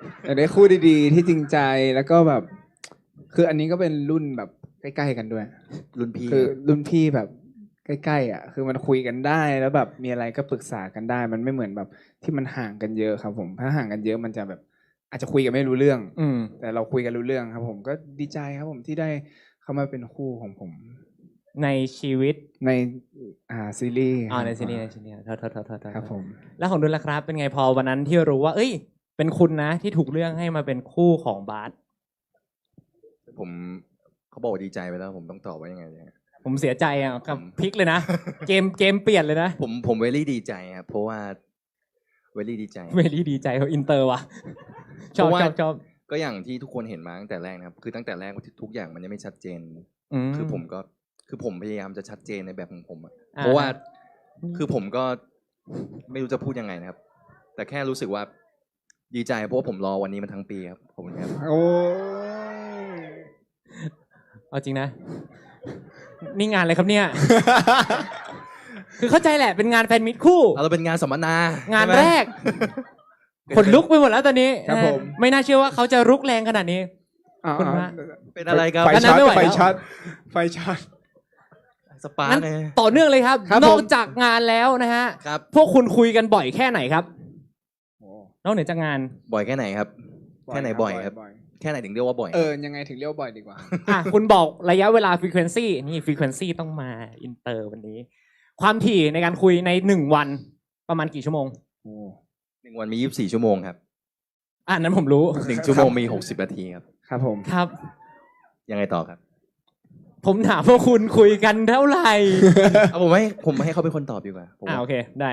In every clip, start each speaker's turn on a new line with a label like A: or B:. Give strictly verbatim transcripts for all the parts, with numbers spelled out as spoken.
A: อยากได้คู่ดีๆที่จริงใจแล้วก็แบบคืออันนี้ก็เป็นรุ่นแบบใกล้ๆกันด้วย
B: รุ่นพี่
A: คือรุ่นพี่แบบใกล้ๆอ่ะคือมันคุยกันได้แล้วแบบมีอะไรก็ปรึกษากันได้มันไม่เหมือนแบบที่มันห่างกันเยอะครับผมถ้าห่างกันเยอะมันจะแบบอาจจะคุยกันไม่รู้เรื่อง
C: อืม
A: แต่เราคุยกันรู้เรื่องครับผมก็ดีใจครับผมที่ได้เข้ามาเป็นคู่ของผม
C: ในชีวิต
A: ในอ่าซีรีส์
C: อ๋อในซีรีส์ในซีรีส์โทษโทษโทษโทษ
A: ครับผม
C: แล้วของดุลล่ะครับเป็นไงพอวันนั้นที่รู้ว่า เอ้ย เป็นคุณนะที่ถูกเลือกให้มาเป็นคู่ของบาส
B: ผมเขาบอกดีใจไปแล้วผมต้องตอบว่ายังไงเนี่ย
C: ผมเสียใจอ่ะกับพลิกเลยนะ เกมเกมเปลี่ยนเลยนะ
B: ผมผมเวลี่ดีใจครับเพราะว่าเวลี่ดีใจ
C: เวลี่ดีใจเขาอินเตอร์ว่ะชอบชอบชอบ
B: ก็อย่างที่ทุกคนเห็นมาตั้งแต่แรกนะครับคือตั้งแต่แรกทุกอย่างมันยังไม่ชัดเจนคือผมก็คือผมพยายามจะชัดเจนในแบบของผมอะเพราะว่าคือผมก็ไม่รู้จะพูดยังไงนะครับแต่แค่รู้สึกว่าดีใจเพราะว่าผมรอวันนี้มาทั้งปีครับผมครับ
A: โอ้
C: เอาจริงนะนี่งานอะไรครับเนี่ย คือเข้าใจแหละเป็นงานแฟนมิตคู่
B: เราเป็นงานสัมมนาง
C: านแรกขนลุกไปหมดแล้วตอนนี้
A: ครับผม
C: ไม่น่าเชื่อว่าเขาจะรุกแรงขนาดนี้
A: คุณ
B: ว่าเป็นอะไรครับ
A: ไฟช็อตไฟช็อตไฟช็อต
B: สปาร์เลย
C: ต่อเนื่องเลยครับนอกจากงานแล้วนะฮะพวกคุณคุยกันบ่อยแค่ไหนครับนอกเหนือจากงาน
B: บ่อยแค่ไหนครับแค่ไหนบ่อยครับแค่ไหนถึงเรียกว่าบ่อย
A: เออยังไงถึงเรียกว่าบ่อยดีกว่า
C: อ่ะคุณบอกระยะเวลา frequency นี่ frequency ต้องมาอินเตอร์วันนี้ความถี่ในการคุยในหนึ่งวันประมาณกี่ชั่วโมง
B: โอ้หนึ่งวันมียี่สิบสี่ชั่วโมงครับ
C: อ่ะนั้นผมรู้
B: หนึ่งชั่วโมงมีหกสิบนาทีครับ
A: ครับผม
C: ครับ
B: ยังไงต่อครับ
C: ผมถามว่าคุณคุยกันเท่าไหร่
B: เอาผมให้ผมให้เขาเป็นคนตอบดีกว่า
C: อ่าโอเคได้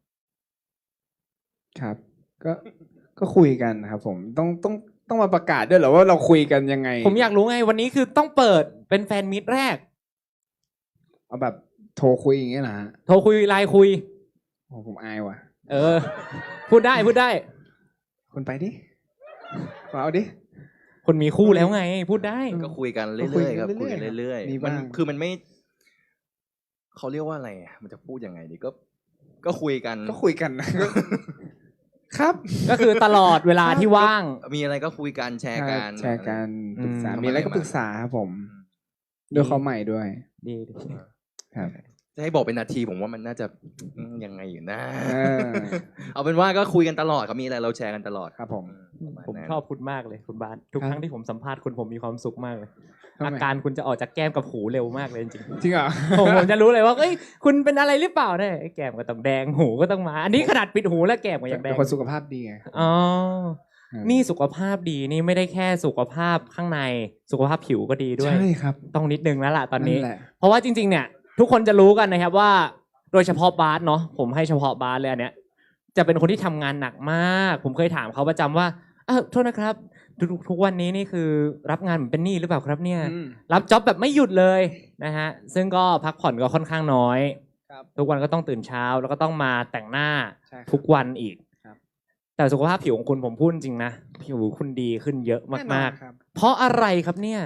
A: ครับก็ก็คุยกันครับผมต้องต้องต้องมาประกาศด้วยเหรอว่าเราคุยกันยังไง
C: ผมอยากรู้ไงวันนี้คือต้องเปิดเป็นแฟนมิตรแรก
A: เอาแบบโทรคุยอย่างเงี้ยนะ
C: โทรคุยไลน์คุย
A: โอ้ผมอายว่ะ
C: เออพูดได้พูดได้
A: คุณไปดิเอาดิ
C: คนมีคู่แล้วไงพูดได้
B: ก็คุยกันเรื่อยๆครับคุยกันเรื่อยๆมันคือมันไม่เขาเรียกว่าอะไรมันจะพูดยังไงดีก็ก็คุยกัน
A: ก็คุยกันนะครับ
C: ก็คือตลอดเวลาที่ว่าง
B: มีอะไรก็คุยกันแชร์กัน
A: แชร์กันปรึกษามีอะไรก็ปรึกษาครับผมด้วยเขาใหม่ด้วย
C: ดี
A: ครับ
B: จะให้บอกเป็นนาทีผมว่ามันน่าจะยังไงอยู่นะเอาเป็นว่าก็คุยกันตลอดครับมีอะไรเราแชร์กันตลอด
A: ครับผม
C: ผมชอบคุณมากเลยคุณบาสทุกครั้งที่ผมสัมภาษณ์คุณผมมีความสุขมากเลยอาการคุณจะออกจากแก้มกับหูเร็วมากเลยจริง
A: จริงเหรอ
C: ผมผมจะรู้เลยว่าเอ้ยคุณเป็นอะไรหรือเปล่าเนี่ยแก้มก็ต้องแดงหูก็ต้องมาอันนี้ขนาดปิดหูแล้วแก้มก็ยังแดง
A: เป็นคนสุขภาพดีไง
C: อ๋อนี่สุขภาพดีนี่ไม่ได้แค่สุขภาพข้างในสุขภาพผิวก็ดีด้วย
A: ใช่ครับ
C: ต้องนิดนึงแล้วล่ะตอนนี้เพราะว่าจริงๆเนี่ยทุกคนจะรู้กันนะครับว่าโดยเฉพาะบาสเนาะผมให้เฉพาะบาสเลยอันเนี้ยจะเป็นคนที่ทำงานหนักมากผมเคยถามเขาประจำว่าเออโทษนะครับทุกทุกวันนี้นี่คือรับงานเหมือนเป็นหนี้หรือเปล่าครับเนี่ยรับจ็อบแบบไม่หยุดเลยนะฮะซึ่งก็พักผ่อนก็ค่อนข้างน้อยทุกวันก็ต้องตื่นเช้าแล้วก็ต้องมาแต่งหน้าทุกวันอีกแต่สุขภาพผิวของคุณผมพูดจริงนะผิวคุณดีขึ้นเยอะมากๆเพราะอะไรครับเนี่ย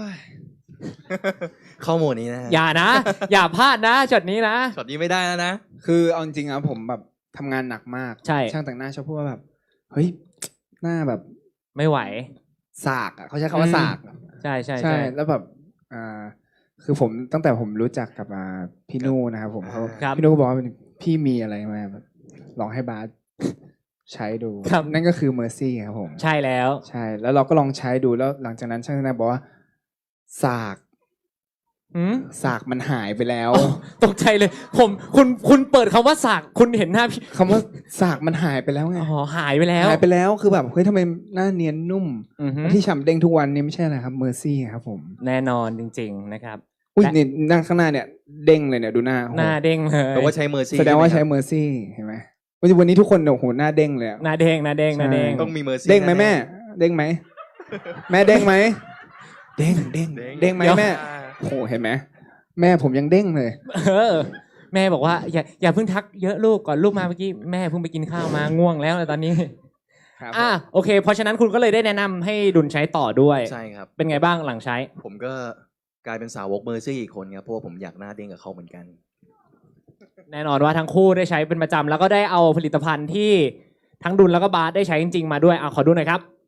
B: ข้อมูลนี้นะ
C: อย่านะอย่าพลาดนะช็อตนี้นะ
B: ช็อตนี้ไม่ได้แล้วนะ
A: คือเอาจริงๆนะผมแบบทำงานหนักมาก
C: ใช่
A: ช่างแต่งหน้าชอบพูดว่าแบบเฮ้ยหน้าแบบ
C: ไม่ไหว
A: สากอ่ะเขาใช้คำว่าสาก
C: ใช่ใช่
A: ใช่แล้วแบบอ่าคือผมตั้งแต่ผมรู้จักกับอ่าพี่นูนะครับผมเขาพี่นูก็บอกว่าพี่มีอะไรมาแบบลองให้บาสใช้ดูนั่นก็คือ Mercy ครับผม
C: ใช่แล้ว
A: ใช่แล้วเราก็ลองใช้ดูแล้วหลังจากนั้นช่างแต่งหน้าบอกว่าสากสากมันหายไปแล้ว
C: ตกใจเลยผมคุณคุณเปิดคำว่าสากคุณเห็นหน้าพี่
A: คำว่าสากมันหายไปแล้วไง
C: อ๋อหายไปแล้ว
A: หายไปแล้วคือแบบเฮ้ยทำไมหน้าเนียนนุ่มที่ฉ่ำเด้งทุกวันนี้ไม่ใช่อะไรครับ Mercy ครับผม
C: แน่นอนจริงๆนะครับ
A: อุ้ยนี่หน้าข้างหน้าเนี่ยเด้งเลยเนี่ยดูหน้า
C: หน้าเด้งเลย
B: แปลว่าใช้ Mercy
A: แสดงว่าใช้ Mercy เห็นไหมวันนี้ทุกคนโอ้โหหน้าเด้งเลย
C: หน้าเด้งหน้าเด้งหน้าเด้ง
B: ต้องมี Mercy
A: เด้งไหมแม่เด้งไหมแม่เด้งไหมเด้งเด้งเด้งไหมแม่โอ้โหเห็นไหมแม่ผมยังเด้งเลย
C: เออแม่บอกว่าอย่าอย่าเพิ่งทักเยอะลูกก่อนลูกมาเมื่อกี้แม่เพิ่งไปกินข้าวมาง่วงแล้วตอนนี้อ่ะโอเคเพราะฉะนั้นคุณก็เลยได้แนะนำให้ดุลใช้ต่อด้วย
B: ใช่ครับ
C: เป็นไงบ้างหลังใช้
B: ผมก็กลายเป็นสาวก Mercy อีกคนครับเพราะว่าผมอยากหน้าเด้งกับเขาเหมือนกัน
C: แน่นอนว่าทั้งคู่ได้ใช้เป็นประจำแล้วก็ได้เอาผลิตภัณฑ์ที่ทั้งดุลแล้วก็บาสได้ใช้จริงๆมาด้วยอ่ะขอดูหน่อยครับ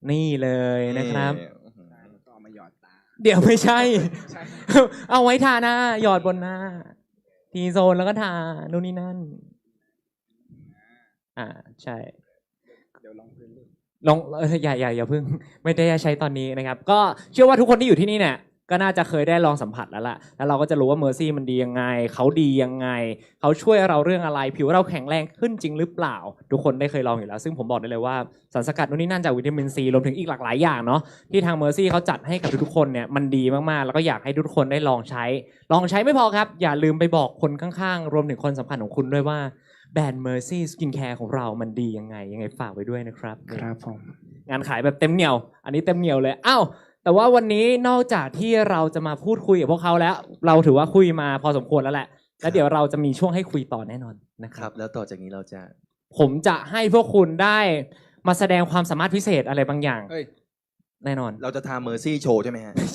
C: นี่เลยนะครับ
B: นี่
A: ก็เอามาหยอดตา
C: เดี๋ยวไม่ใช่
A: ใช่
C: เอาไว้ทาหน้าหยอดบนหน้า ทีโซนแล้วก็ทานู่นนี่นั่น อ่าใช่
A: เดี๋ยวลองพื้นดู
C: ลองเอออย่าอย่าอย่าเพิ่ง ไม่ได้ใช้ตอนนี้นะครับ ก็เชื่อว่าทุกคนที่อยู่ที่นี่เนี่ยก็น่าจะเคยได้ลองสัมผัสแล้วล่ะแล้วเราก็จะรู้ว่าเมอร์ซี่มันดียังไงเขาดียังไงเขาช่วยเราเรื่องอะไรผิวเราแข็งแรงขึ้นจริงหรือเปล่า ทุกคนได้เคยลองอยู่แล้วซึ่งผมบอกได้เลยว่าสารสกัดนู่นนี่นั่นจากวิตามินซีรวมถึงอีกหลากหลายอย่างเนาะที่ทางเมอร์ซี่เขาจัดให้กับทุกๆคนเนี่ยมันดีมากๆแล้วก็อยากให้ทุกคนได้ลองใช้ ลองใช้ไม่พอครับอย่าลืมไปบอกคนข้างๆรวมถึงคนสำคัญของคุณด้วยว่าแบรนด์ Mercy Skincare ของเรามันดียังไงยังไงฝากไว้ด้วยนะครับ
A: ครับผม
C: งานขายแบบเต็มเหนียว อันนี้เต็มเหนียวเลยอ้าวแต่ว่าวันนี้นอกจากที่เราจะมาพูดคุยกับพวกเขาแล้ว เราถือว่าคุยมาพอสมควรแล้วแหละแล้วเดี๋ยวเราจะมีช่วงให้คุยต่อแน่นอนนะค
B: ค
C: รั
B: รับ บแล้วต่อจากนี้เราจะ
C: ผมจะให้พวกคุณได้มาแสดงความสามารถพิเศษอะไรบางอย่าง
A: เอ้ย
C: แน่นอน
B: เราจะทำเมอร์ซี่โชว์ใช่ไหมฮะ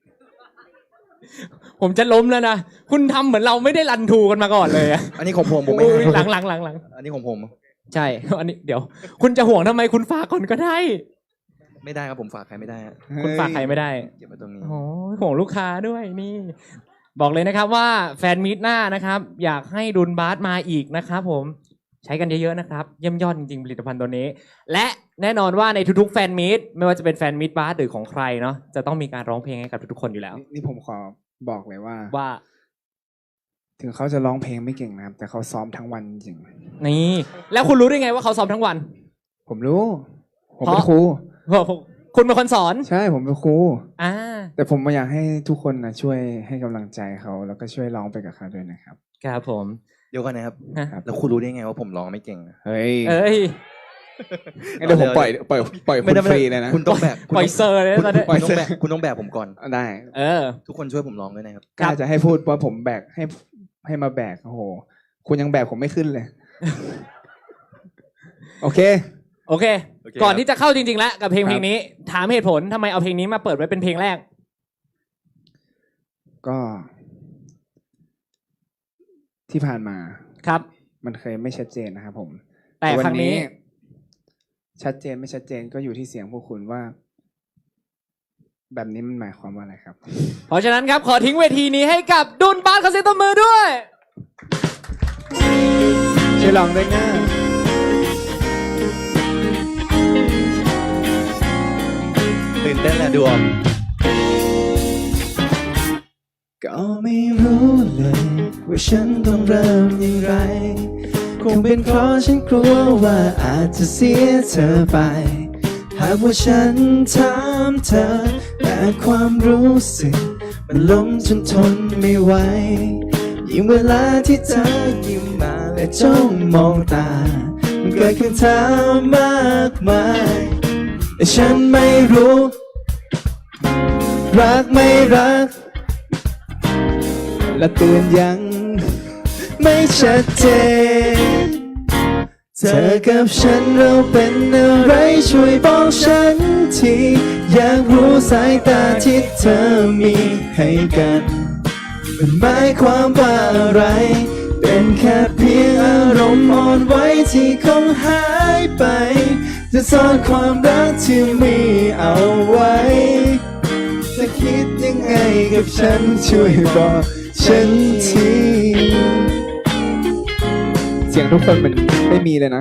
C: ผมจะล้มแล้วนะคุณทำเหมือนเราไม่ได้รันทูกันมาก่อนเลยอะ
B: อันนี้ของผมผมไม่
C: อุ๊ย
B: ให้
C: หลังหลังหลังหลัง
B: อันนี้ของผม
C: ใช่ อันนี้เดี๋ยว คุณจะห่วงทำไมคุณฝากก่อนก็ได้
B: ไม่ได้ครับผมฝากใครไม่ได้ฮะ
C: คุณฝากใครไม่ได้
B: เก็บไว้ตรงนี้
C: โอ้ยห่วงลูกค้าด้วยนี่ บอกเลยนะครับว่าแฟนมีตหน้านะครับ อยากให้ดุลบาสมาอีกนะครับผมใช้กันเยอะๆนะครับเยี่ยมยอดจริงๆผลิตภัณฑ์ตัวนี้ และแน่นอนว่าในทุกๆแฟนมีตไม่ว่าจะเป็นแฟนมีตบาสหรือของใครเนาะจะต้องมีการร้องเพลงให้กับทุกๆคนอยู่แล้ว
A: นี่นี่ผมขอบอกเลยว่า
C: ว่า
A: ถึงเขาจะร้องเพลงไม่เก่งนะครับ แต่เขาซ้อมทั้งวันจริง
C: นี่แล้วคุณรู้ได้ไงว่าเขาซ้อมทั้งวัน
A: ผมรู้ ผม
C: เพ
A: เป็น
C: ราะ
A: ครู
C: คุณเป็นคนสอน
A: ใช่ผมเป็นครู
C: อ่า
A: แต่ผมอยากให้ทุกคนนะช่วยให้กำลังใจเขาแล้วก็ช่วยร้องไปกับเขาด้วยนะครับ
C: ครับผม
B: เดี๋ยวก่อนนะครับ
C: ฮะ
B: แล้วคุณรู้ได้ไงว่าผมร้องไม่เก่งอะ
A: เฮ้ย
C: เอ้ย
A: งั้นเดี๋ยวผมปล่อยปล่อยปล่อยคุณฟรีเลยนะ
B: คุณต้องแบกคุณ
C: ปล่
B: ต้
C: อ
B: อย ง
C: เซอร์เลย
B: คุณ
C: ตอนนี้
B: คุณต้องแบกคุณต้องแบกผมก่อน
A: ได้
C: เออ
B: ทุกคนช่วยผมร้องด้วยนะครับ
A: กล้าจะให้พูดว่าผมแบกให้ให้มาแบกโอ้โห คุณยังแบกผมไม่ขึ้นเลย โอเค
C: โอเค
B: โอเค
C: ก่อน
B: ครับ
C: ที่จะเข้าจริงๆแล้วกับเพลง
A: ครับ
C: เพลงนี้ ถามเหตุผลทำไมเอาเพลงนี้มาเปิดไว้เป็นเพลงแรก
A: ก็ ที่ผ่านมา
C: ครับ
A: มันเคยไม่ชัดเจนนะครับผม
C: แต่ครั้งนี้
A: ชัดเจนไม่ชัดเจนก็อยู่ที่เสียงพวกคุณว่า แบบนี้มันหมายความว่าอะไรครับ
C: เพราะฉะนั้นครับขอทิ้งเวทีนี้ให้กับดุลบาสขอเสียงตบมือด้วย
A: ช่วยลองด้วยนะ
B: ตื่นเต้นแหละดวง
A: ก็ไม่รู้เลยว่าฉันต้องเริ่มอย่างไร คงเป็นเพราะฉันกลัวว่าอาจจะเสียเธอไป หากว่าฉันถามเธอแต่ความรู้สึกมันล้มจนทนไม่ไหวยิ่งเวลาที่เธอยิ้มมาและจ้องมองตา มันเกิดคำถามมากมายแต่ฉันไม่รู้ รักไม่รัก และเตือนยังไม่ชัดเจน เธอกับฉันเราเป็นอะไรช่วยบอกฉันทีอยากรู้สายตาที่เธอมีให้กันมันหมายความว่าอะไร เป็นแค่เพียงอารมณ์อ่อนไหวที่คงหายไปจะซ่อนความรักที่มีเอาไว้จะคิดยังไงกับฉันช่วยบอกฉันทีเสียงทุกคนมันไม่มีเลยนะ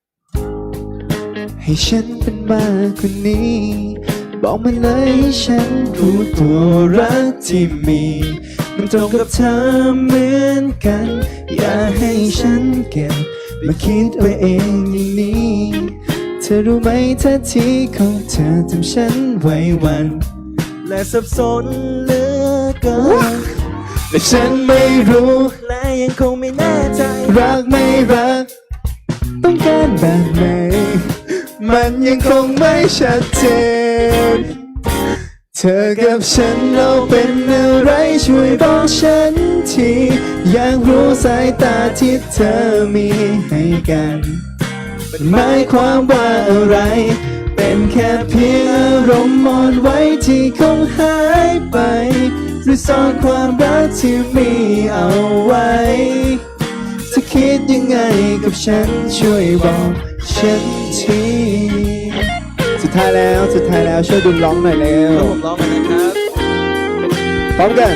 A: ให้ฉันเป็นมากกว่านี้ บอกมาเลยให้ฉันรู้ตัวรักที่มีมันตรงกับเธอเหมือนกัน อย่าให้ฉันเก็บมาคิดไว้เองอย่างนี้เธอรู้ไหมท่าทีของเธอทำฉันไหวหวั่นและสับสนเหลือเกินและฉันไม่รู้และยังคงไม่แน่ใจรักไม่รักต้องการแบบไหนมันยังคงไม่ชัดเจนเธอกับฉันเราเป็นอะไรช่วยบอกฉันทีอยากรู้สายตาที่เธอมีให้กันมันหมายความว่าอะไรเป็นแค่เพียงอารมณ์อ่อนไหวที่คงหายไปหรือซ่อนความรักที่มีเอาไว้จะคิดยังไงกับฉันช่วยบอกฉันทีจะดท้ายแล้วสุดท้ายแล้วช่วยดุลร้องหน่อยเร็ว
B: ผมร้องเลยนะครับ
A: พร้อมกัน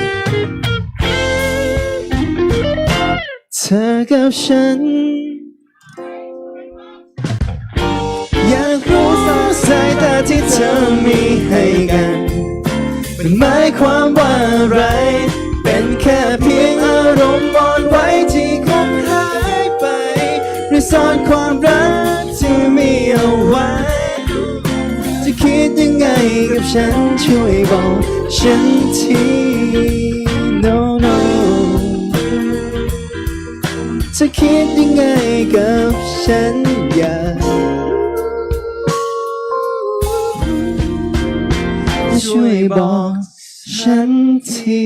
A: เธอกับฉันอยากรู้สองสายตาที่เธอมีให้กันมันหมายความว่าอะไรเป็นแค่เพียงอารมณ์อ่อนไหวที่คงหายไปหรือซ่อนความรักที่มีเอาไว้จะคิดยังไงกับฉันช่วยบอกฉันที no no จะคิดยังไงกับฉันอย่าช่วยบอกฉันที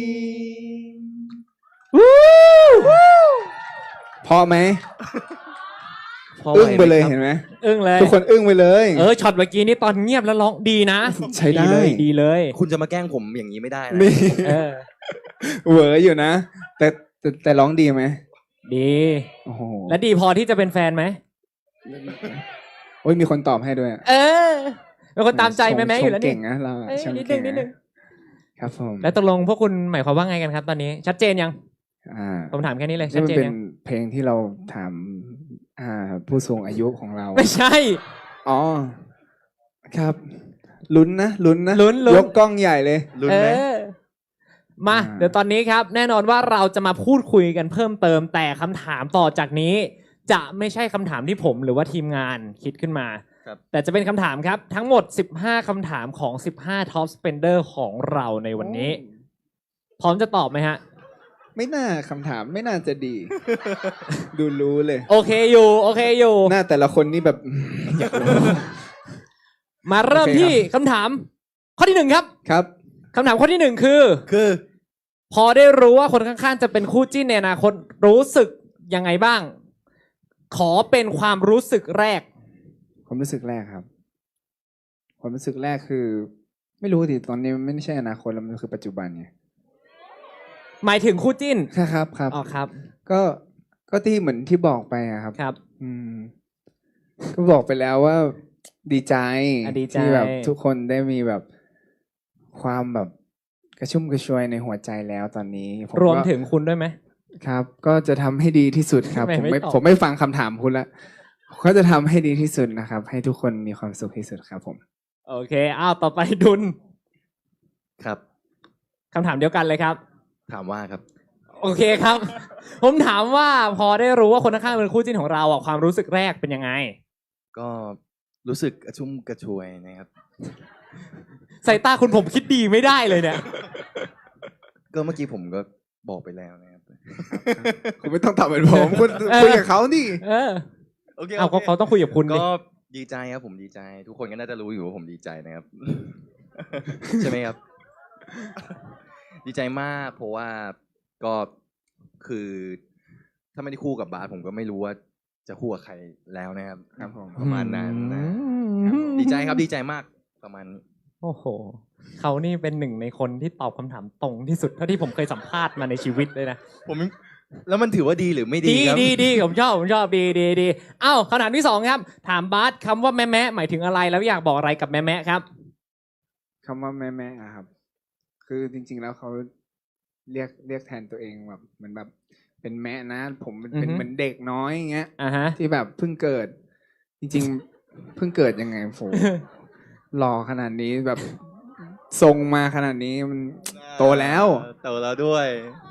A: พอไหม
C: พอไหว
A: อึ้งไปเลย
C: หมครับ
A: เห็นไหม
C: อึ้งเลย
A: ทุกคนอึ้งไปเลย
C: เออช็อตเมื่อกี้นี่ตอนเงียบแล้วร้องดีนะ
A: ใช้ได้
C: ดีเลยดีเลย
B: คุณจะมาแกล้งผมอย่างนี้ไม่ได้นะ
A: นี่
C: เออ
A: เหวออยู่นะ แต่แต่แต่ร้องดีไหม
C: ดี
A: โอ้โห
C: และดีพอที่จะเป็นแฟนไหม
A: โอ้ยมีคนตอบให้ด้วยอะ
C: เออเป็นคนตามใจแม่แม่อยู่แล้ว
A: ช
C: นี่
A: เก่งนะเราอะ
C: เอ้ย
A: ชม
C: นิดนึ
A: เก่
C: ง
A: ง
C: นิดนึง
A: ครับผม
C: แล้วตกลงพวกคุณหมายความว่าไงกันครับ ตอนนี้ ชัดเจนยัง
A: อ่า
C: ผมถามแค่นี้เลย
A: นี่
C: ชัด
A: มัน
C: เจน
A: เป็น
C: ยัง
A: เพลงที่เราถามอ่าผู้สูงอายุของเรา
C: ไม่ใช่
A: อ๋อครับลุ้นนะลุ้นนะ
C: ลุ้นลุ้น
A: ยกกล้องใหญ่เลย
B: ลุ้น
C: เอ
B: ไหม
C: อมา
A: อ่า
C: เดี๋ยวตอนนี้ครับ แน่นอนว่าเราจะมาพูดคุยกันเพิ่มเติม แต่คำถามต่อจากนี้ จะไม่ใช่คำถามที่ผมหรือว่าทีมงานคิดขึ้นมา
B: ครับ
C: แต่จะเป็นคำถามครับ ทั้งหมดสิบห้าคำถามของสิบห้า Top Spender ของเราในวันนี้ พร้อมจะตอบไหมฮะ
A: ไม่น่าคำถามไม่น่าจะดี ดูรู้เลย
C: โอเคอยู่ โอเคอยู่
A: หน้าแต่ละคนนี่แบบ อยากรู้
C: มาเริ่ม
A: โอเค
C: ที่คำถาม ข้อที่หนึ่งครับ
A: ครับ
C: คำถามข้อที่หนึ่งคือ
B: คือ
C: พอได้รู้ว่าคนข้างๆจะเป็นคู่จิ้นในอนาคตรู้สึกยังไงบ้าง ขอเป็นความรู้สึกแรก
A: ความรู้สึกแรกครับ ความรู้สึกแรกคือ ไม่รู้ดิตอนนี้มันไม่ใช่อนาคตแล้วมันคือปัจจุบันไง
C: หมายถึงคู่จิ้น
A: ครับครับ
C: อ๋อครับ
A: ก็ก็ที่เหมือนที่บอกไปอะครับ
C: ครับ
A: อืม ก็บอกไปแล้วว่าดีใจ
C: อ่ะดีใจ
A: ที่แบบทุกคนได้มีแบบความแบบกระชุ่มกระชวยในหัวใจแล้วตอนนี้ผ
C: รวม
A: ก็
C: ถึงคุณด้วยไหม
A: ครับ ก็จะทำให้ดีที่สุดครับ
C: ไม่
A: ผม
C: ไม่
A: ไม่
C: ตอบ
A: ผมไม่ฟังคำถามคุณละก็จะทำให้ดีที่สุดนะครับ ให้ทุกคนมีความสุขที่สุดครับผม
C: โอเค อ้าวต่อไปดุล
B: ครับ
C: คำถามเดียวกันเลยครับ
B: ถามว่าครับ
C: โอเคครับ ผมถามว่าพอได้รู้ว่าคนข้างๆเป็นคู่จิ้นของเราอ่ะความรู้สึกแรกเป็นยังไง
B: ก็รู้สึกกระชุ่มกระชวยนะครับ
C: สายตาคุณผมคิดดีไม่ได้เลยเนี่ย
B: ก็เมื่อกี้ผมก็บอกไปแล้วนะครับ
A: คุณไม่ต้องตอบเหมือนผมคุณ
C: เออ
A: คุยกับเขานี่
C: เออ
B: โอเค
C: เอาเขาเขาต้องคุยกับคุณดิ
B: ก็ดีใจครับผมดีใจ ทุกคนก็น่าจะรู้อยู่ว่าผมดีใจนะครับ ใช่ไหมครับ ดีใจมากเพราะว่าก็คือถ้าไม่ได้คู่กับบาสผมก็ไม่รู้ว่าจะคู่กับใครแล้วนะครับ
A: ครับผม
B: ประมาณนั้นนะ
C: อืม
B: ดีใจครับดีใจมากประมาณนี้
C: โอ้โห เขานี่เป็นหนึ่งในคนที่ตอบคำถามตรงที่สุดเท่าที่ผมเคยสัมภาษณ์มาในชีวิตเลยนะ
B: ผมแล้วมันถือว่าดีหรือไม่ดี
C: ดี
B: ครับ
C: ดีดีผมชอบผมชอบดีดีดีอ้าวคำถามที่สองครับ ถามบาสคำว่าแม่แม่หมายถึงอะไรแล้วอยากบอกอะไรกับแม่แม่ครับ
A: คำว่าแม่แม่อะครับ คือจริง ๆ แล้วเขาเรียกเรียกแทนตัวเองแบบเหมือนแบบ เป็นแม่นะ ผมเป็น
C: อือฮึ
A: เหมือนเด็กน้อยอย่างเงี้ย
C: อ่าฮะ
A: ที่แบบเพิ่งเกิด จริง ๆ เพิ่งเกิดยังไงโห หล่อขนาดนี้แบบทรงมาขนาดนี้มันโตแล้ว
B: โตแล้วด้วย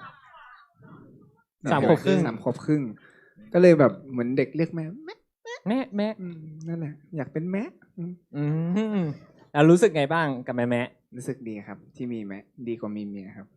C: สามขวบครึ่ง
A: สามขวบครึ่ง ก็เลยแบบเหมือนเด็กเรียกแม่แม่
C: แม่แม่
A: อืมนั่นแหละ อยากเป็นแม่อืม
C: อืมแล้วรู้สึกไงบ้างกับแม่แม่
A: รู้สึกดีครับ ที่มีแม่ดีกว่ามีเมียครับ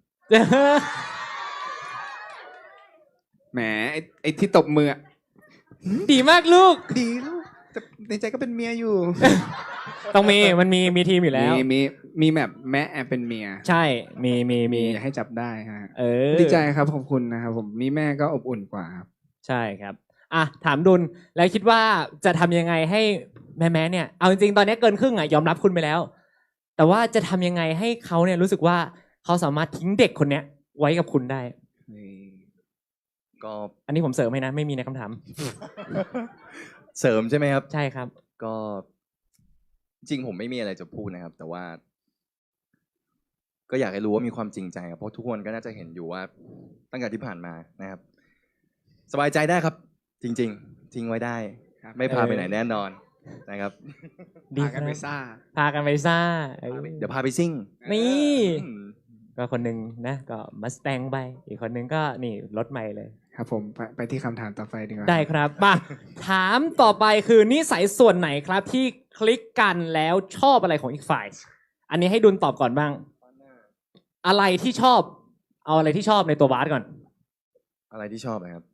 A: แหมไอ้ไอ้ที่ตบมืออะ
C: ดีมากลูก
A: ดีลูกแต่ในใจก็เป็นเมียอยู่
C: ต้องมีมันมีมีทีมอยู่แล้ว
A: มีมีมีแบบแม่แอบเป็นเมีย
C: ใช่มีมีมี
A: อย่าให้จับได้ฮะ
C: เออ
A: ดีใจครับขอบคุณนะครับผมมีแม่ก็อบอุ่นกว่าครับ
C: ใช่ครับอ่ะถามดุลแล้วคิดว่าจะทำยังไงให้แม่แม่เนี่ยเอาจริงๆตอนนี้เกินครึ่งอ่ะยอมรับคุณไปแล้ว แต่ว่าจะทำยังไงให้เขาเนี่ยรู้สึกว่าเขาสามารถทิ้งเด็กคนเนี้ยไว้กับคุณได้
B: ก็
C: อันนี้ผมเสริมให้นะ ไม่มีในคำถาม
B: เสริมใช่ไหมครับ
C: ใช่ครับ
B: ก็จริงผมไม่มีอะไรจะพูดนะครับ แต่ว่า ก็อยากให้รู้ว่ามีความจริงใจครับเพราะทุกคนก็น่าจะเห็นอยู่ว่าตั้งแต่ที่ผ่านมานะครับ สบายใจได้ครับ จริง ๆ ทิ้งไว้ได้ ไม่พาไปไหนแน่นอนนะครับ
A: พากันไปซ่า
C: พากันไปซ่า
B: เดี๋ยวพาไปซิ่ง
C: นี่ก็คนหนึ่งนะก็มัสแตงไปอีกคนหนึ่งก็นี่รถใหม่เลย
A: ครับผมไปไปที่คำถามต่อไปดีกว่า
C: ได้ครับมาถามต่อไปคือนิสัยส่วนไหนครับที่คลิกกันแล้วชอบอะไรของอีกฝ่าย อันนี้ให้ดุลตอบก่อนบ้าง อะไรที่ชอบ เอาอะไรที่ชอบในตัวบาสก่อน
B: อะไรที่ชอบนะครับ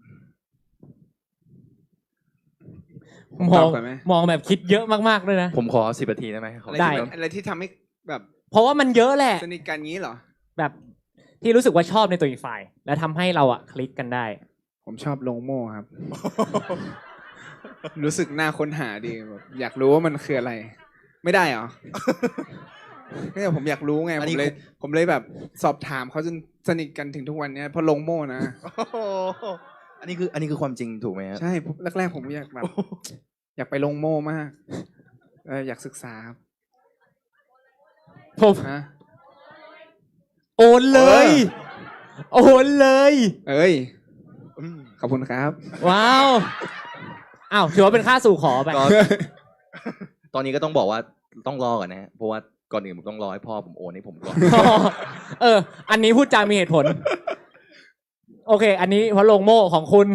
C: มองมองแบบคิดเยอะมากๆเลยนะ
B: ผมขอสิบนาทีได้ไหมขอ
C: ได้
B: สิบนาที
A: อะไรที่ทำให้แบบ
C: เพราะว่ามันเยอะแหละ
A: สนิทกันงี้เหรอ
C: แบบที่รู้สึกว่าชอบในตัวอีกฝ่าย แล้วทำให้เราอะคลิกกันได้
A: ผมชอบลงโม่ครับ รู้สึกน่าค้นหาดีแบบอยากรู้ว่ามันคืออะไร ไม่ได้เหรอ ไม่ใช่ผมอยากรู้ไง ผมเลย ผมเลยแบบสอบถามเขาจนสนิทกันถึงทุกวันนี้เพราะลงโม่นะ
B: อันนี้คืออันนี้คือความจริงถูกไหมครับ
A: ใช่แรกๆผมอยากแบบ อยากไปลงโม่มากเอออยากศึกษาครับ
C: ผม
A: ฮะ
C: โอนเลย โอนเลย
A: เอ้ยขอบคุณครับ
C: ว้าว อ้าวถือว่าเป็นค่าสู่ขอไป
B: ก็ ตอนนี้ก็ต้องบอกว่าต้องรอก่อนนะฮะเพราะว่าก่อนอื่นผมต้องรอให้พ่อผมโอนให้ผมก่อน
C: เออ อันนี้พูดจามีเหตุผล โอเค อันนี้เพราะลงโม่ของคุณ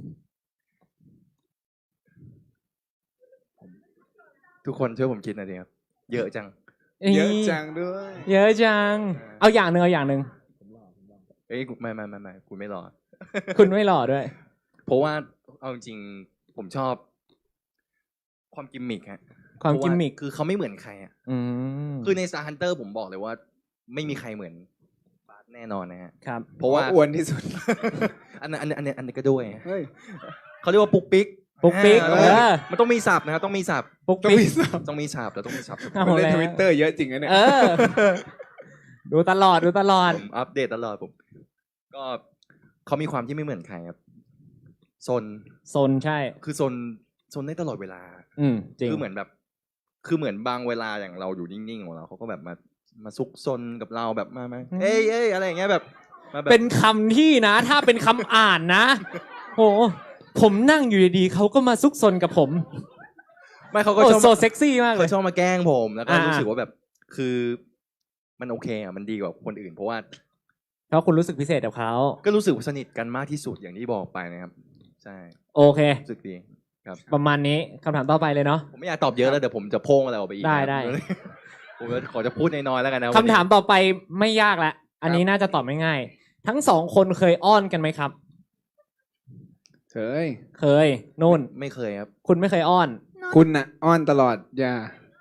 B: ทุกคนช่วยผมคิดหน่อยดิครับ เยอะจัง
A: เยอะจังด้วย
C: เยอะจัง เอาอย่างหนึ่งเอาอย่างหนึ่ง
B: เอ้ยไม่ไม่ไม่ไม่คุณไม่รอ
C: คุณไม่หล่อด้วย
B: เพราะว่าเอาจริงๆผมชอบ ความกิมมิคฮะ
C: ความกิมมิค
B: คือเขาไม่เหมือนใครอ่ะ
C: อืม
B: คือใน Star Hunter ผมบอกเลยว่า ไม่มีใครเหมือนบาสแน่นอนนะฮะ
C: ครับ
B: เพราะว่า
A: อ้วนที่สุด
B: อันนั้นอันนี้อันนี้อันนี้ก็ด้วย
A: เฮ้ย
B: เขาเรียกว่าปุกปิก
C: ปุ๊กปิ๊ก
B: อ่า
C: เออ
B: มันต้องมีศัพท์นะครับต้องมีศัพท์
C: ปุ๊ก
A: ต้อง
C: ปิ๊
A: มี
C: ก
A: สับ
B: ต้องมีศัพท์แล้วต้องมีศัพท์
C: เอา
A: ผมเล่น
C: แล้ว
A: ทวิตเตอร์เยอะจริงนะเนี่ย
C: เออ ดูตลอดดูตลอด
B: ผมอัปเดตตลอดผม ก็เขามีความที่ไม่เหมือนใครครับซน
C: โซนใช่
B: คือซนซนได้ตลอดเวลา
C: อืมจริง
B: คือเหมือนแบบ คือเหมือนบางเวลาอย่างเราอยู่นิ่งๆของเราเขาก็แบบมามาซุกซนกับเราแบบมามาเอ้ยเอ้ยอะไรอย่างเงี้ยแบบมาแบบ
C: เป็นคำที่นะ ถ้าเป็นคำอ่านนะโหผมนั่งอยู่ดีๆเขาก็มาซุกซนกับผม
B: ไม่เขาก็
C: โอ้
B: ชอบ
C: โซเซ็กซี่มากเล
B: เขา
C: ย
B: ชอบมาแกล้งผมแล้วก็
C: อ่ารู้
B: รู้สึกว่าแบบคือมันโอเคอ่ะมันดีกว่าคนอื่น เพราะว่า
C: เพราะคุณรู้สึกพิเศษกับเขา
B: ก็รู้สึกสนิทกันมากที่สุดอย่างที่บอกไปนะครับใช่
C: โอเค
B: รู้สึกดีครับ
C: ประมาณนี้คำถามต่อไปเลยเนาะ
B: ผมไม่อยากตอบเยอะแล้วเดี๋ยวผมจะโพ่งอะไรออกไปอีก
C: ได้
B: นะครับ
C: ได้
B: ผมขอจะพูดน้อยๆแล้วกันนะ
C: คำถามต่อไปไม่ยากละอันนี้น่าจะตอบไม่ง่าย ทั้งสองคนเคยอ้อนกันไหมครับ
A: เฮ้ย
C: เคยนู่น
B: ไม่เคยครับ
C: คุณไม่เคยอ้อน
A: คุณน่ะ อ้อนตลอดอย่า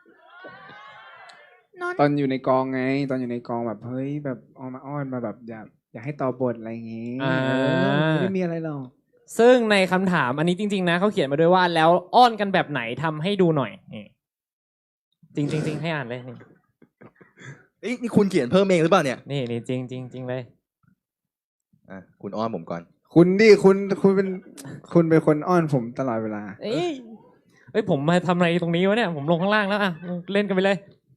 A: ตอนอยู่ในกองไง ตอนอยู่ในกองแบบเฮ้ยแบบออกมาอ้อนมาแบบอยากอยากให้ต่อบทอะไรอย่างงี้
C: อ่า
A: เออไม่มีอะไรหรอก
C: ซึ่งในคำถามอันนี้จริง ๆ นะเขาเขียนมาด้วยว่าแล้วอ้อนกันแบบไหนทำให้ดูหน่อยนี่จริงจริงๆให้อ่านเลยนี่
B: เอ้ยนี่คุณเขียนเพิ่มเองหรือเปล่าเนี่ย
C: นี่นี่จริงจริงจริงเลย
B: อ่ะคุณอ้อนผมก่อน
A: คุณดิคุณคุณเป็นคุณเป็นคนอ้อนผมตลอดเวลา
C: เอ้ยเอ้ยผมมาทำอะไรตรงนี้วะเนี่ยผมลงข้างล่างแล้วอ่ะเล่นกันไปเลย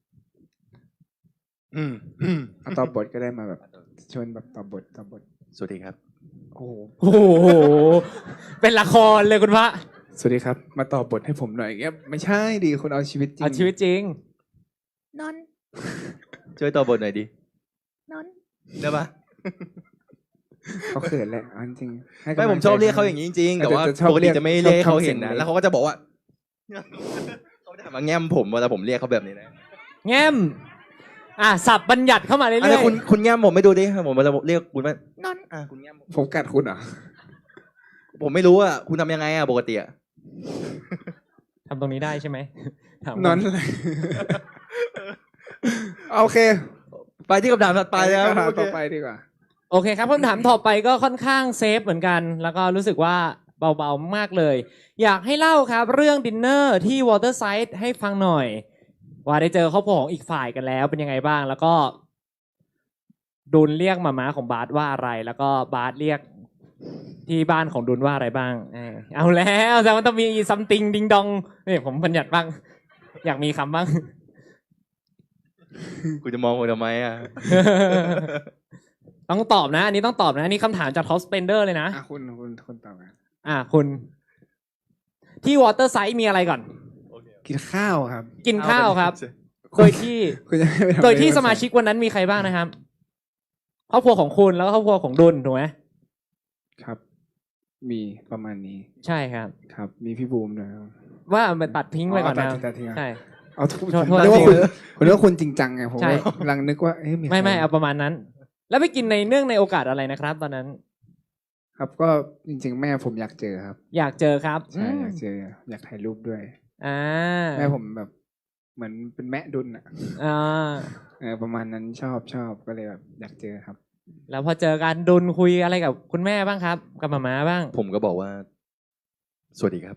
B: อืมอืม
A: เอาต่อบทก็ได้มาแบบชวนแบบต่อบทต่อบท
B: สวัสดีครับ
A: โอ้โห
C: โอ้โหเป็นละครเลยคุณพระ
A: สวัสดีครับ มาต่อบทให้ผมหน่อยอย่างเงี้ยไม่ใช่ดิคุณเอาชีวิตจริง
C: เอาชีวิตจริง
D: นอน
B: ช่วยต่อบทหน่อยดิ
D: นอน
B: ได้ปะ
A: เขาเขินแหละเอาจริงๆให้กำ
B: ไม่
A: ลั
B: ผมชอบเรียกเขาอย่างนี้จริงๆแต่ว่า
A: จะชอบ
B: ปกติจะไม่เรียกให้เขาเห็น
A: ชอบทำเสียง
B: นะ
A: เล็ก
B: แล้วเขาก็จะบอกว่า เขาจะมาแง้มผมเวลาผมเรียกเขาแบบนี้นะ
C: แง้มอ่ะสับบัญญัติเข้ามาเรื่
B: อันนี้
C: อย
B: คุณคุณแง้มผมไม่ดูดิผมจะเรียกคุณว่าน
D: อน
B: อ่ะคุณแง้มผม
A: ผมกัดคุณเหรอ
B: ผมไม่รู้อ่ะคุณทำยังไงอ่ะปกติอ่ะ
C: ๆทำตรงนี้ได้ใช่ไหมถาม
A: นอนอะไร โอเค
B: ไปที่คำถามถัดไปแล้ว
A: คำถาม
B: โอเค
A: ต่อไปดีกว่า
C: โอเคครับคำถามต่อไปก็ค่อนข้างเซฟเหมือนกัน แล้วก็รู้สึกว่าเบาๆมากเลย อยากให้เล่าครับ เรื่องดินเนอร์ที่วอเตอร์ไซด์ให้ฟังหน่อย ว่าได้เจอครอบครัวของอีกฝ่ายกันแล้วเป็นยังไงบ้าง แล้วก็ดุลเรียกมาม้าของบาสว่าอะไร แล้วก็บาสเรียกที่บ้านของดุลว่าอะไรบ้างเออเอาแล้วแต่มันต้องมีซัมติงดิงดองนี่ผมบัญญัติบ้าง อยากมีคำบ้าง
B: กูจะมองกูทำไมอ่ะ
C: ต้องตอบนะ อันนี้ต้องตอบนะอันนี้คำถามจาก Top Spender เลยนะ
A: อ่ะคุณคุณคุณตอบกัน
C: อ่ะคุณที่วอเตอร์ไซด์มีอะไรก่อน
A: กินข้าวครับ
C: กินข้าวครับ โดยที่
A: คุณจะไม่ไปทำ
C: โดยที่
A: อะไร
C: สมาชิกวันนั้นมีใครบ้างนะครับครอบครัวของคุณแล้วก็ครอบครัวของดุลถูกไหม
A: ครับ มีประมาณนี้
C: ใช่ครับ
A: ครับ มีพี่บูมด้วยครับ
C: ว่ามันตัดทิ้งไว้ก่อน
A: อ๋อ
C: นะ
A: ตัดทิ้งตัดทิ้งอ่ะ
C: ใช่
A: เอาทุก
C: โทษ
A: ผม
C: โทษ
A: เรียกว่า
C: ที
A: คุณคุณเรียกว่าคุณจริงจังไงผม
C: ใช่
A: กำลังนึกว่าเอ๊ะมีใคร
C: ไม่ไม่เอาประมาณนั้น แล้วไปกินในเนื่องในโอกาสอะไรนะครับ ตอนนั้น
A: ครับก็จริง ๆ แม่ผมอยากเจอครับ
C: อยากเจอครับ
A: ใช่
C: อืม
A: อยากเจอ อยากถ่ายรูปด้วย
C: อ่า
A: แม่ผมแบบเหมือนเป็นแม่ดุลอ่ะ
C: อ่า
A: เออประมาณนั้นชอบชอบก็เลยแบบอยากเจอครับ
C: แล้วพอเจอกันดุลคุยอะไรกับคุณแม่บ้างครับ กับหมาม้าบ้าง
B: ผมก็บอกว่า สวัสดีครับ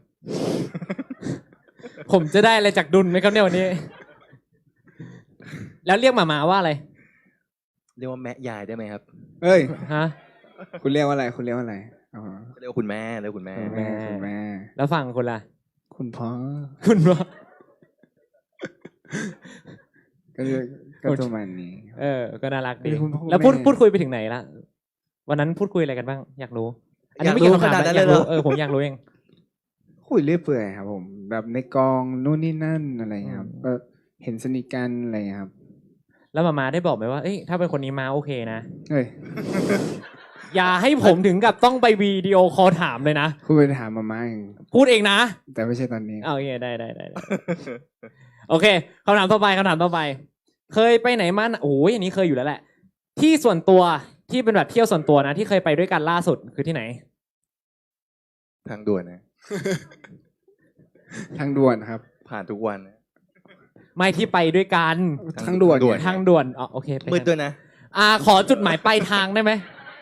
C: ผมจะได้อะไรจากดุลไหมครับเนี่ยวันนี้ แล้วเรียกหมาม้าว่าอะไร
B: เรียกว่าแม่ยายได้ไหมครับ
A: เอ้ย
C: ฮะ
A: คุณเรียกว่าอะไร คุณเรียกว่าอะไรอ๋อ
B: เรียกว่าคุณแม่เรียกว่าคุณแม่
A: คุณแม่คุณแม่
C: แล้วฝั่งคุณล่ะ
A: คุณพ่อ
C: คุณว่า
A: ก็เลยก็ประมาณนี้
C: เออ ก็น่ารักดี
A: เออคุณพ่อคุณ
C: แล้วพูด
A: แม่
C: พูดคุยไปถึงไหนละวันนั้นพูดคุยอะไรกันบ้าง อยากรู้ อันนี้ไม่
B: อยากรู้
C: เกี่ยวกับคำถาม
B: ขนาดนั้น
C: นะอยาก
B: เลยเหร
C: รู้
B: อ
C: เออผมอยากรู้เอง
A: คุยเรื่อยเปื่อยครับผม แบบในกองนู่นนี่นั่นอะไรครับ
C: อืม
A: ก็เห็นสนิทกันอะไรครับ
C: แล้วหมาม้าได้บอกไหมว่า เอ้ยถ้าเป็นคนนี้มาโอเคนะ
A: เฮ้ย
C: อย่าให้ผมถึงกับต้องไปวิดีโอคอลถามเลยนะ
A: คุณไปถามมาม่าเอง
C: พูดเองนะ
A: แต่ไม่ใช่ตอนนี้
C: เอาโอเคได้ได้ได้ได้ โอเคคำถามต่อไปคำถามต่อไป เคยไปไหนมาโอ้ยอันนี้เคยอยู่แล้วแหละ ที่ส่วนตัวที่เป็นแบบเที่ยวส่วนตัวนะ ที่เคยไปด้วยกันล่าสุดคือที่ไหน
B: ทางด่วนนะ
A: ทางด่วนครับ
B: ผ่านทุกวันนะ
C: ไม่ที่ไปด้วยกัน
A: ทางด่วน
B: ด่วน
C: ทางด่วนอ๋อโอเคไป
B: มืด
C: กัน
B: ด้วยนะ
C: อ่าขอจุดหมายปลายทางได้ไหม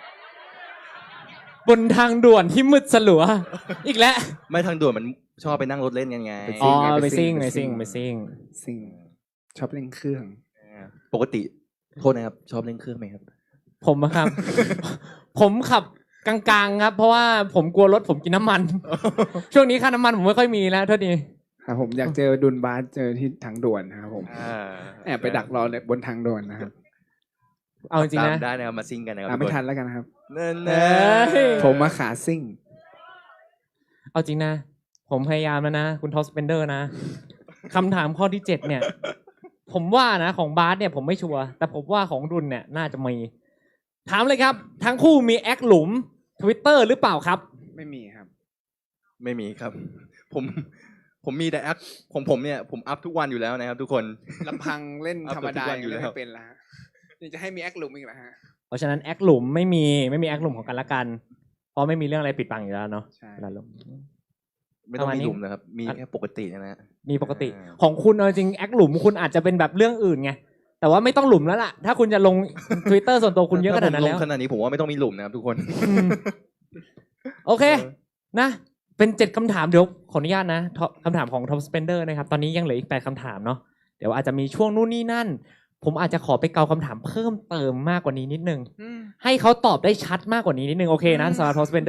C: บนทางด่วนที่มืดสลัว อีกแล้ว
B: ไม่ทางด่วนมันชอบไปนั่งรถเล่นกันไง
A: ไปซิ่
C: อ๋อ
A: ไง
C: ไป
A: ไปซิ่
C: ซิ่ง
A: ง
C: ไปซิ่ง
A: ไป
C: ไป
A: ซิ่
C: ซิ่
A: ง
C: ง
A: สิ่งชอบเล่นเครื่อง
B: ปกติ โทษนะครับ ชอบเล่นเครื่องไหมครับ
C: ผมอะครับ ผมขับกลางๆครับ เพราะว่าผมกลัวรถผมกินน้ำมัน ช่วงนี้ค่าน้ำมันผมไม่ค่อยมีแล้วโทษที
A: ครับผมอยากเจอดุลบาสเจอที่ทางด่วนนะครับผม
B: อ่า
A: แอบไปดักรอเลยบนทางด่วนนะครับ
C: เอาจริงๆนะ
B: ตามได้นะครับมาซิ่งกันนะครับ
A: อ่ะไม่ทันแล้วกันนะครับ
B: นั่น
C: เอ
B: นะ
C: ้ย
A: ผมมาขาซิ่ง
C: เอาจริงนะ ผมพยายามแล้วนะ คุณทอสเปนเดอร์นะคำถามข้อที่เจ็ดเนี่ย ผมว่านะของบาสเนี่ยผมไม่ชัวร์แต่ผมว่าของดุลเนี่ยน่าจะมี ถามเลยครับ ทั้งคู่มีแอคหลุม Twitter หรือเปล่าครับ
A: ไม่มีครับ
B: ไม่มีครับ ผม ผมมีแต่แอปของผมเนี่ย ผมอัพทุกวันอยู่แล้วนะครับ ทุกคน
A: ลำพังเล่นธรรมดา
B: อัพทุกวัน
A: ยัง
B: อยู่แล้ว
A: ไม่เป็นละฮะยังจะให้มีแอคหลุมอีกเหรอฮะ
C: เพราะฉะนั้นแอคหลุมไม่มีไม่มีแอคหลุมของกันและกัน เพราะไม่มีเรื่องอะไรปิดบังอยู่แล้วเนาะ
A: ใช่
C: เวลาลง
B: ไม่ต้อง
C: ประมาณ
B: มี
C: นี้
B: หลุมนะครับ มีแค่ปกตินะฮะ
C: มีปกติ
B: อ่า
C: ของคุณเอาจริงแอคหลุมคุณอาจจะเป็นแบบเรื่องอื่นไงแต่ว่าไม่ต้องหลุมแล้วล่ะ ถ้าคุณจะลง Twitter ส่วนตัวคุณเยอะขนาดนั้น
B: ถ้
C: แล้ว
B: ผมลงขนาดนี้ผมว่าไม่ต้องมีหลุมนะครับทุกคน
C: อืมโอเค นะ เป็นเจ็ดคำถามเดี๋ยวขออนุญาตนะท็อปคำถามของ Top Spender นะครับ ตอนนี้ยังเหลืออีกแปดคำถามเนาะเดี๋ยวอาจจะมีช่วงนู่นนี่นั่น ผมอาจจะขอไปเกาคำถามเพิ่มเติมมากกว่านี้นิดนึง ให้เขาตอบได้ชัดมากกว่านี้นิดนึงโอเคนะสำหรับ Top Spender